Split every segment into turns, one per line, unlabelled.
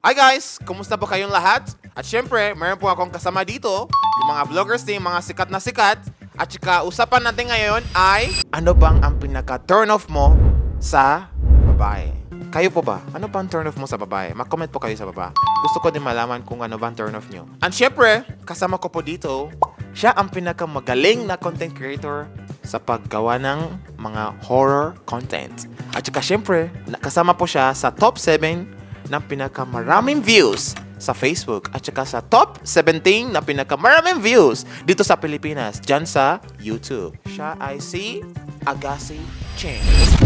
Hi guys! Kumusta po kayong lahat? At syempre, mayroon po akong kasama dito, yung mga vloggers din, mga sikat na sikat. At saka, usapan natin ngayon ay, ano bang ang pinaka-turn off mo sa babae? Kayo po ba? Ano bang turn off mo sa babae? Mag-comment po kayo sa baba. Gusto ko din malaman kung ano bang turn off nyo. And syempre, kasama ko po dito, siya ang pinakamagaling na content creator sa paggawa ng mga horror content. At saka syempre, kasama po siya sa top 7 ng pinakamaraming views sa Facebook at saka sa top 17 na pinakamaraming views dito sa Pilipinas, dyan sa YouTube. Siya ay si Agassi Cheng.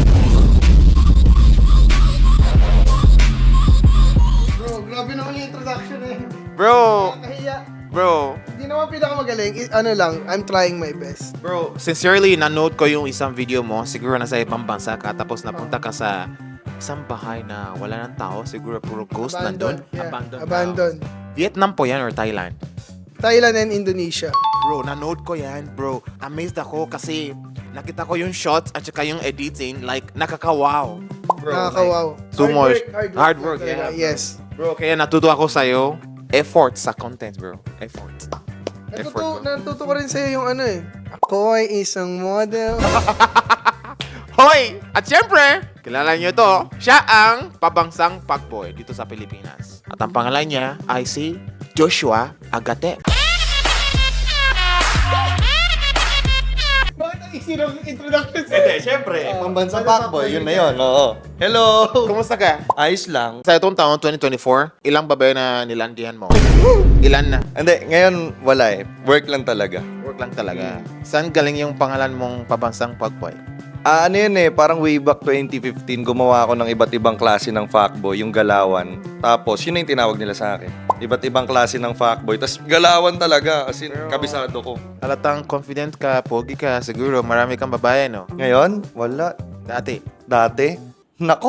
Bro, grabe naman yung introduction eh.
Bro,
Nakahiya.
bro,
Hindi naman pinakamagaling. Ano lang, I'm trying my best.
bro, sincerely, nanood ko yung isang video mo. Siguro nasa ibang bansa ka tapos napunta ka sa isang bahay na wala ng tao. Siguro puro ghost nandun.
Yeah.
Abandoned.
Abandoned.
Vietnam po yan or Thailand?
Thailand and Indonesia.
Bro, nanood ko yan, bro. Amazed ako kasi nakita ko yung shots at saka yung editing, like, nakakawaw. Bro,
Nakakawaw.
like, so much.
Hard
Hard work,
work
yeah.
talaga. Yes.
Bro, kaya natuto ako sa'yo. Effort sa content, bro. Effort. Effort, bro.
Natuto ko rin sa'yo yung ano eh. Ako ay isang model.
Hoy! At syempre, kilala niyo to, siya ang pabangsang fuckboy dito sa Pilipinas. At ang pangalan niya ay si Joshua Agate.
Bakit ang easy ng introduction
Hindi, syempre. Pambansa fuckboy, yun na yun. Oo. Hello!
Kumusta ka?
Ayos lang.
Sa itong taon, 2024, ilang babae na nilandihan mo? Ilan na?
Hindi, ngayon wala eh. Work lang talaga.
Work lang talaga. Saan galing yung pangalan mong pabansang fuckboy?
Ano yun eh, parang way back 2015, gumawa ako ng iba't ibang klase ng fuckboy, yung galawan. Tapos, yun na yung tinawag nila sa akin. Iba't ibang klase ng fuckboy. Tapos, galawan talaga, as in, kabisado ko.
Halatang confident ka, pogi ka, siguro marami kang babae, no?
Ngayon, wala.
Dati.
Dati, nako.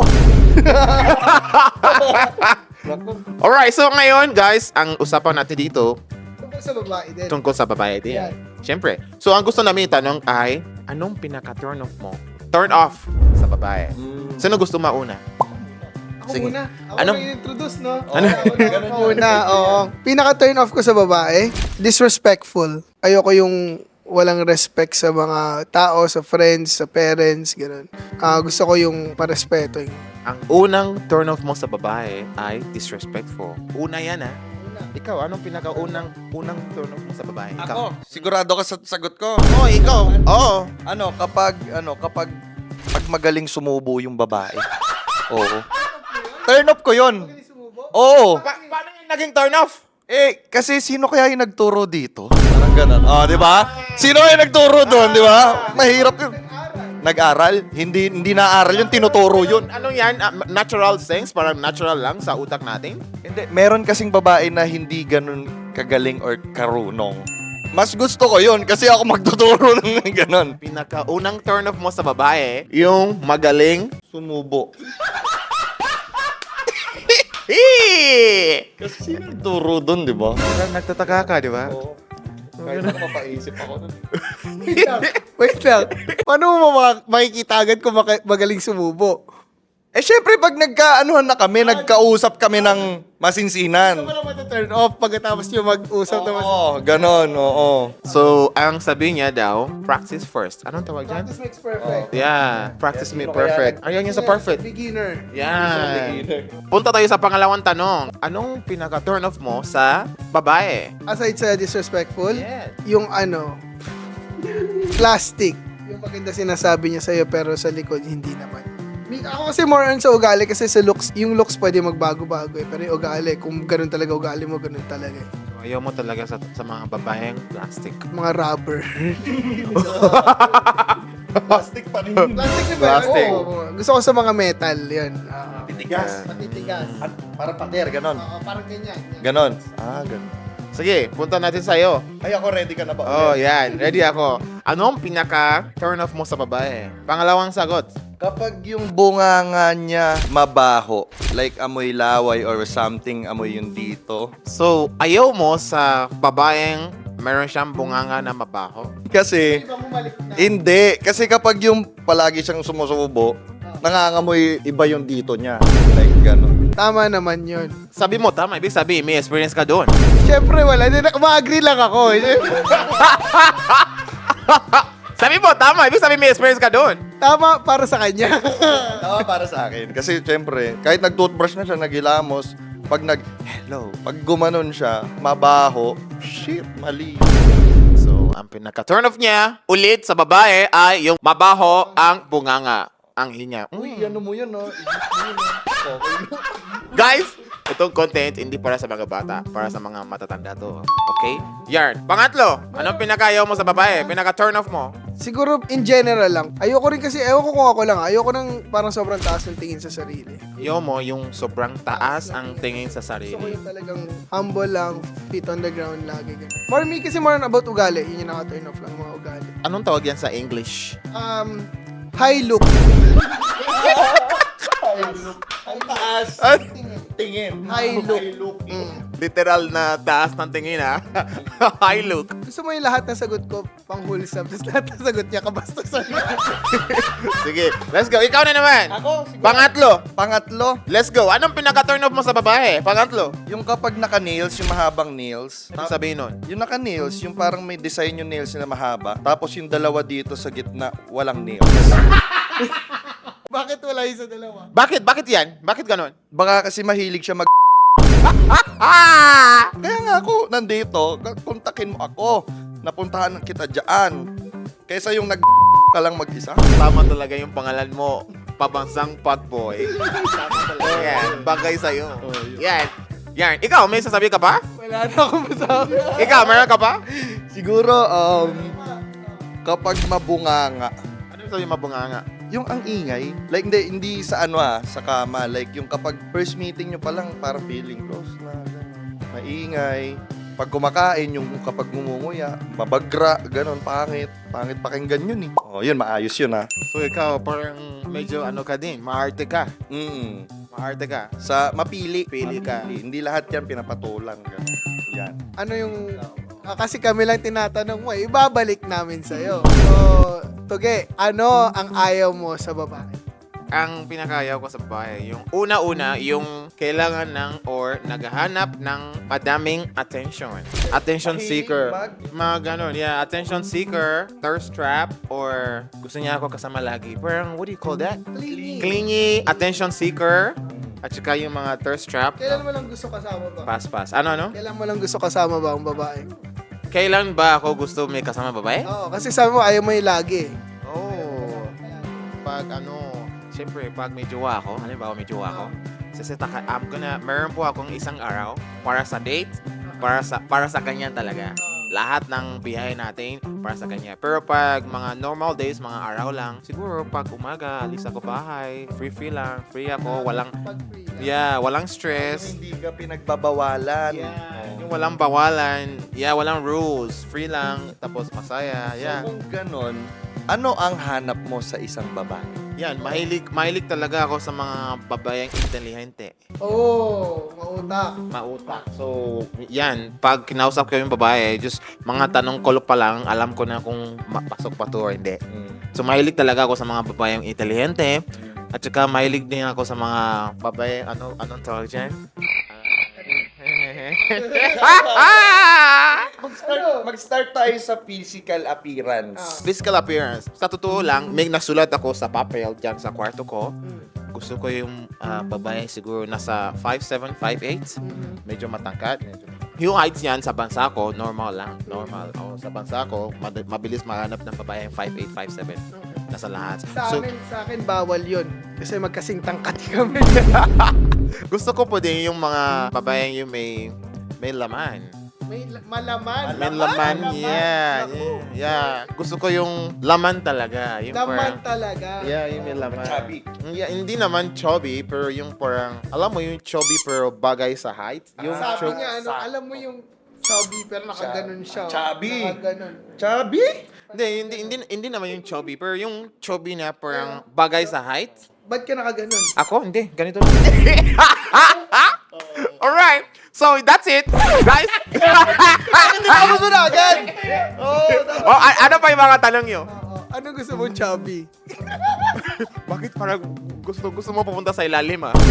Nako.
Alright, so ngayon, guys, ang usapan natin dito,
Tungkol sa babae din.
tungkol sa babae din.
Yan.
Siyempre. So, ang gusto namin itanong ay, anong pinaka-turn off mo? Turn off sa babae. Sino gusto mauna?
Ako
Sige.
muna. Ako
Ano?
na introduce, no?
Ano?
Ako muna, oo. Pinaka-turn off ko sa babae, disrespectful. Ayoko yung walang respect sa mga tao, sa friends, sa parents, gano'n. Gusto ko yung parespeto.
Ang unang turn off mo sa babae ay disrespectful. Una yan, ha? Ikaw, anong pinaka-unang turn off mo sa babae? Ikaw.
Ako, sigurado ka sa sagot ko.
Oh, ikaw. Oo.
Kapag pag magaling sumubo yung babae. Oo. Turn off ko yun. Oo.
Paano yung naging turn off?
Eh, kasi sino kaya yung nagturo dito? Parang ganun. Oh, di ba? Sino kaya yung nagturo doon, di ba? Mahirap yun. Nag-aral? Hindi na-aral yun, tinuturo yun.
Ano yan? Natural things? Parang natural lang sa utak natin?
Hindi, meron kasing babae na hindi ganun kagaling or karunong. Mas gusto ko yun kasi ako magtuturo ng ganun.
Pinaka-unang turn off mo sa babae, yung magaling.
Sumubo.
Hee!
Kasi sino nagturo doon, di ba?
Parang nagtataka ka, di ba?
Oo. Kahit ako mapaisip ako nun.
Wait lang. Paano mo makikita agad kung magaling sumubo?
Eh, syempre, pag nagkaanuhan na kami, nagkausap kami ng masinsinan.
Ano ba naman turn off pagkatapos yung mag-usap naman?
Oo, ganon, oo.
So, ang sabi niya daw, practice first. Anong tawag dyan?
Practice makes perfect.
Yeah, practice
Sino
me
kaya
perfect. Ayaw niya sa perfect.
Beginner.
Yan. Punta tayo sa pangalawang tanong. Anong pinaka-turn off mo sa babae?
Aside sa disrespectful,
Yes.
yung plastic. Yung maganda sinasabi niya sa'yo pero sa likod hindi naman. Ako kasi more on sa ugali kasi sa looks, yung looks pwede magbago-bago eh. Pero yung ugali, kung ganun talaga ugali mo, ganun talaga eh.
So, ayaw mo talaga sa mga babaeng plastic.
Mga rubber.
Plastic pa rin.
Plastic na ba?
Plastic.
Oo. Gusto ko sa mga metal, yun.
Titigas.
Matitigas.
Parang pader, ganon.
Oo, parang ganyan.
Ganon. Ah, ganon.
Sige, punta natin sa'yo.
Ay, ako ready ka na ba?
Oh, yan. Ready ako. Anong pinaka-turn off mo sa babae? Pangalawang sagot.
Kapag yung bunganga niya mabaho, like amoy laway or something, amoy yung dito.
So, ayaw mo sa babaeng meron siyang bunganga na mabaho?
Kasi,
Iba bumalik na.
hindi. Kasi kapag yung palagi siyang sumusubo, nangangamoy iba yung dito niya. Like, ganon.
Tama naman yun.
Sabi mo, tama. Ibig sabihin, may experience ka doon.
Siyempre, wala. Ma-agree lang ako.
Sabi mo, tama. Ibig sabihin, may experience ka doon.
Tama para sa kanya.
Tama para sa akin. Kasi syempre, kahit nag-toothbrush na siya, naghilamos, pag hello, pag gumanon siya, mabaho, shit, mali.
So, ang pinaka-turn off niya, ulit sa babae, ay yung mabaho ang bunganga. Ang hinya.
Uy, ano mo yan, no?
Guys, itong content hindi para sa mga bata, para sa mga matatanda to. Okay? Yarn. Pangatlo, anong pinakayaw mo sa babae? Pinaka-turn off mo?
Siguro, in general lang. Ayoko rin kasi, ewan ko kung ako lang. Ayoko nang parang sobrang taas ng tingin sa sarili.
Ayaw mo yung sobrang taas ang tingin sa
Gusto ko
sarili.
yung talagang humble lang, feet on the ground lagi. Ganun. For me, kasi more on about ugali. Yun yung naka-turn off lang, mga ugali.
Anong tawag yan sa English?
High look.
Ang taas. Tingin.
High look.
Literal na taas ng tingin, ha? High look.
Gusto mo yung lahat ng sagot ko pang wholesome, tapos lahat ng sagot niya kabastusan.
Sige, let's go. Ikaw na naman.
Ako, siguro.
Pangatlo.
Pangatlo,
Let's go. Anong pinaka-turn off mo sa babae? Pangatlo.
yung kapag naka-nails, yung mahabang nails.
Ano sabihin nun?
Yung naka-nails, yung parang may design yung nails na mahaba. Tapos yung dalawa dito sa gitna, walang nails.
Bakit wala yung sa dalawa?
Bakit? Bakit yan? Bakit ganon?
Baka kasi mahilig siya Kaya nga ako, nandito, kontakin mo ako. Napuntahan kita dyan. Kaysa yung ka lang mag-isa.
Tama talaga yung pangalan mo. Pabansang Pagboy. Tama talaga yan. Bagay sa'yo. Yan. Yan. Ikaw, may sasabi ka pa?
Wala na akong masabi.
Ikaw, meron ka pa?
Siguro, kapag mabunganga,
Ano yung sabi mabunganga?
yung ang ingay, like hindi sa sa kama, like yung kapag first meeting nyo pa lang, parang feeling close na, gano'n. Maingay. Pag kumakain, yung kapag ngumunguya, mabagra, gano'n, pangit pakinggan yun eh. Oh, yun, maayos yun ha.
So ikaw, parang medyo ano ka din, maarte ka. Maarte ka.
Sa mapili.
Pili ka.
Hindi lahat yan pinapatulang. Gano'n. Yan.
Ano yung... kasi kami lang tinatanong mo, ibabalik namin sa'yo. So, Tuge, ano ang ayaw mo sa babae?
Ang pinakayaw ko sa babae, yung una-una, yung kailangan ng or naghahanap ng madaming attention. Attention seeker. Mga ganon, yeah. Attention seeker, thirst trap, or gusto niya ako kasama lagi. Parang, what do you call that? Clingy, attention seeker, at saka yung mga thirst trap.
Kailan mo lang gusto kasama ba?
Pass. Ano?
Kailan mo lang gusto kasama ba ang babae?
Kailan ba ako gusto may kasama babae?
Oo, kasi sabi mo ayaw mo yung lagi.
Oh. Pag siyempre, pag may jowa ako, halimbawa may jowa ako, meron po akong isang araw para sa date, para sa kanya talaga. Lahat ng biyahe natin para sa kanya. Pero pag mga normal days, mga araw lang, siguro pag umaga, alis ako bahay, free lang, free ako, walang stress.
Hindi ka pinagbabawalan.
Yung walang bawalan, walang rules, free lang, tapos masaya,
So kung ganon, ano ang hanap mo sa isang babae?
Yan, mahilig talaga ako sa mga babayang intelihente. Mautak. So, yan, pag kinausap ko yung babae, just mga tanong ko pa lang, alam ko na kung mapasok pa to or hindi. So, mahilig talaga ako sa mga babayang intelihente. At saka, mahilig din ako sa mga babae, anong tawag dyan?
Mag-start tayo sa physical appearance.
Physical appearance. Sa totoo lang, may nasulat ako sa papel dyan sa kwarto ko. Gusto ko yung babae siguro nasa 5'7", 5'8". Medyo matangkad. Yung heights niyan sa bansa ko, normal lang. Normal. Sa bansa ko, mabilis mahanap ng babae yung 5'8", 5'7". Nasa lahat.
Sa akin bawal yun. Kasi magkasing tangkat kami.
Gusto ko po din yung mga babae yung may laman.
May malaman.
May laman, yeah. Gusto ko yung laman talaga. Yung
Laman
parang,
talaga.
yung may laman.
Chubby.
Yeah, hindi naman chubby, pero yung parang, alam mo yung chubby pero bagay sa height? Yung
Sabi niya, alam mo yung chubby pero nakaganon siya.
Chubby.
Nakaganon.
Chubby?
Hindi naman yung chubby, pero yung chubby na parang bagay sa height.
Ba't ka nakaganon?
Ako? Hindi. Ganito. Alright. So, that's it. Guys.
Hindi ka mo na agad!
Ano pa yung mga tanong nyo?
Ano gusto mong chubby?
Bakit parang gusto mo pupunta sa ilalim, ah?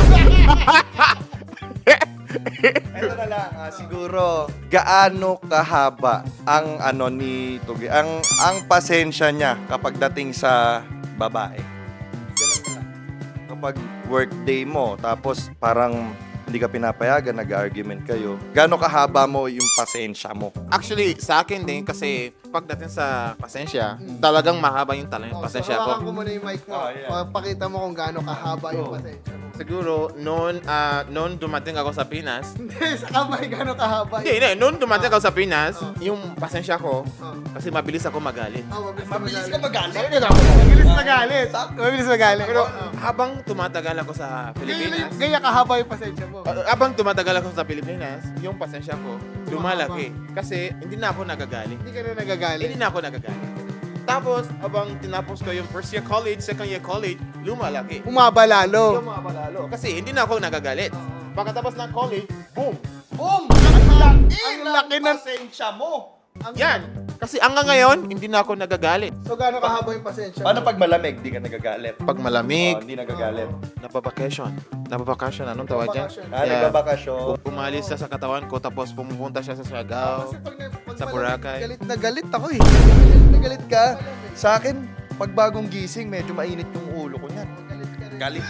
Ito na lang, siguro, gaano kahaba ang ni Tuge, ang pasensya niya kapag dating sa babae. Ganun na lang. Kapag workday mo, tapos parang hindi ka pinapayagan, nag-argument kayo, gaano kahaba mo yung pasensya mo?
Actually, sa akin din, kasi pagdating sa pasensya, talagang mahaba yung pasensya
so, hawakan ko
ko.
muna yung mic mo.
Oh, yeah.
Pakita mo kung gaano kahaba yung
Go.
pasensya mo.
Siguro, noon dumating ako sa Pinas,
Hindi, sa kamay gaano kahaba
hindi, noon dumating ako sa Pinas, yung pasensya ko,
Oh.
kasi mabilis ako magalit.
Mabilis ka
magalit?
Mabilis magalit. Mabilis magalit.
Pero habang tumatagal ako sa Pilipinas,
Gaya kahaba yung pasensya mo.
habang tumatagal ako sa Pilipinas, yung pasensya ko lumalaki. Kasi hindi na ako nagagalit.
Hindi ka na nagagalit.
Hindi na ako nagagalit. Tapos, habang tinapos ko yung first year college, second year college, lumalaki.
Umaba lalo.
Lumalalo. Kasi hindi na ako nagagalit. Pagkatapos ng college, boom!
Boom! Ang laki ng...
pasensya mo.
Yan! Kasi hanggang ngayon, hindi na ako nagagalit.
So gaano kahaba yung pasensya
Paano
mo?
pag malamig, di ka nagagalit?
Pag malamig,
Hindi nagagalit.
napabakasyon. Napabakasyon, anong tawag dyan?
Napabakasyon.
Nagbabakasyon.
Umalis siya sa katawan ko, tapos pumupunta siya sa Siargao.
Kasi pag
Sa
malamig,
Boracay.
Galit na galit ako eh. Galit na galit ka.
Sa akin, pag bagong gising, medyo mainit yung ulo ko niyan.
Galit ka rin.
Galit.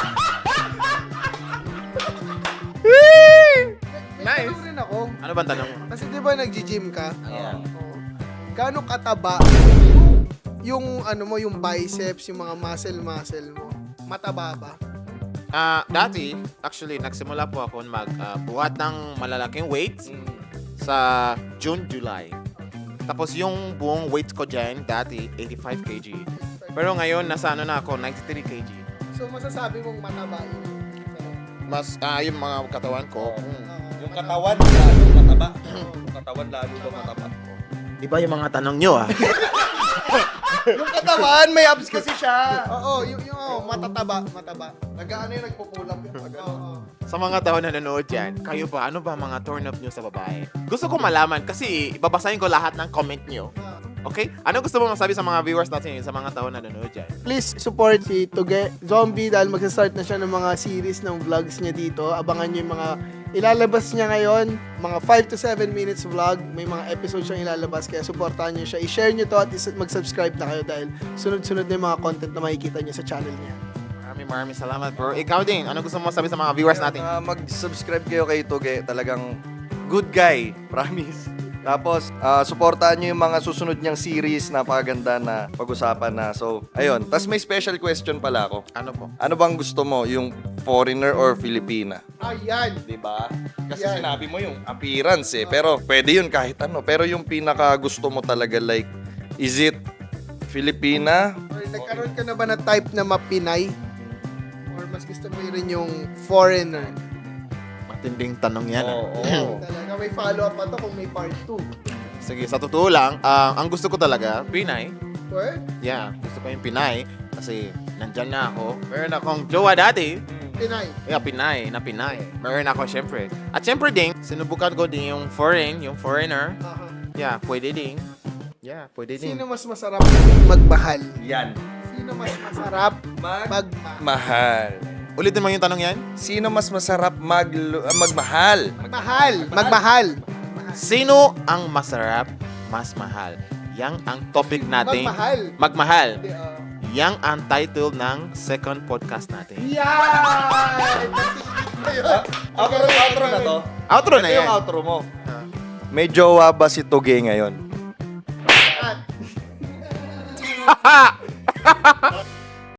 Nice.
Ganun rin ako.
Ano ba ang tanong?
Kasi di ba nag-gym ka?
Ayan.
Oo. Gaano kataba yung ano mo, yung biceps, yung mga muscle mo? Mataba ba?
Dati, actually, nagsimula po ako magbuhat ng malalaking weights sa June, July. Tapos yung buong weight ko dyan, dati, 85 kg. Pero ngayon, nasa ano na ako, 93 kg.
So masasabi mong mataba yun.
Mas, yung mga katawan ko,
Yung katawan, lalo mataba. Yung katawan, lalo ba mataba?
iba yung mga tanong nyo, ah.
Yung katawan, may abs kasi siya.
Oo, mataba.
Nag-ano yung nagpupulap yung
Oo.
Sa mga tao na nanonood dyan, kayo ba, ano ba mga turn up nyo sa babae? Gusto ko malaman kasi ibabasahin ko lahat ng comment nyo. Okay? Ano gusto mo masabi sa mga viewers natin, sa mga tao na nanonood dyan?
Please support si Tuge Zombie dahil magsa-start na siya ng mga series ng vlogs niya dito. Abangan niyo yung mga ilalabas niya ngayon, mga 5 to 7 minutes vlog. May mga episodes siyang ilalabas kaya supportahan niyo siya. I-share niyo to at mag-subscribe na kayo dahil sunod-sunod na yung mga content na makikita niyo sa channel niya.
Maraming salamat, bro. Ikaw din, ano gusto mo masabi sa mga viewers natin?
Mag-subscribe kayo kay Tuge. Talagang good guy. Promise. Tapos, supportahan nyo yung mga susunod niyang series. Napakaganda na pag-usapan na. So, ayun. Tapos may special question pala ako.
Ano po?
Ano bang gusto mo? Yung foreigner or Filipina?
Ayan!
Diba? Kasi
Yan.
sinabi mo yung appearance eh. Pero pwede yun kahit ano. Pero yung pinaka gusto mo talaga like, is it Filipina?
Or nagkaroon ka na ba na type na mapinay? Or mas gusto mo rin yung foreigner?
Matinding tanong yan. ah.
Oo.
Talaga may follow-up pa to kung may part 2.
Sige, sa totoo lang, ang gusto ko talaga, Pinay.
Word?
Yeah, gusto ko yung Pinay. Kasi nandyan na ako. Meron akong jowa dati.
Pinay.
Yeah, Pinay. Meron ako, syempre. At syempre din, sinubukan ko din yung foreigner.
Aha.
Yeah, pwede din. Yeah, pwede din.
Sino mas masarap magmahal?
Yan.
Sino mas masarap magmahal?
Mahal.
Ulitin mo yung tanong yan.
Sino mas masarap magmahal?
Magmahal.
Sino ang masarap, mas mahal? Yang ang topic natin.
Magmahal.
Magmahal.
Hindi,
Yang ang title ng second podcast natin.
Yan!
Outro na to.
Outro na
Ito
yan.
yung outro mo. May jowa ba si Tuge ngayon?
At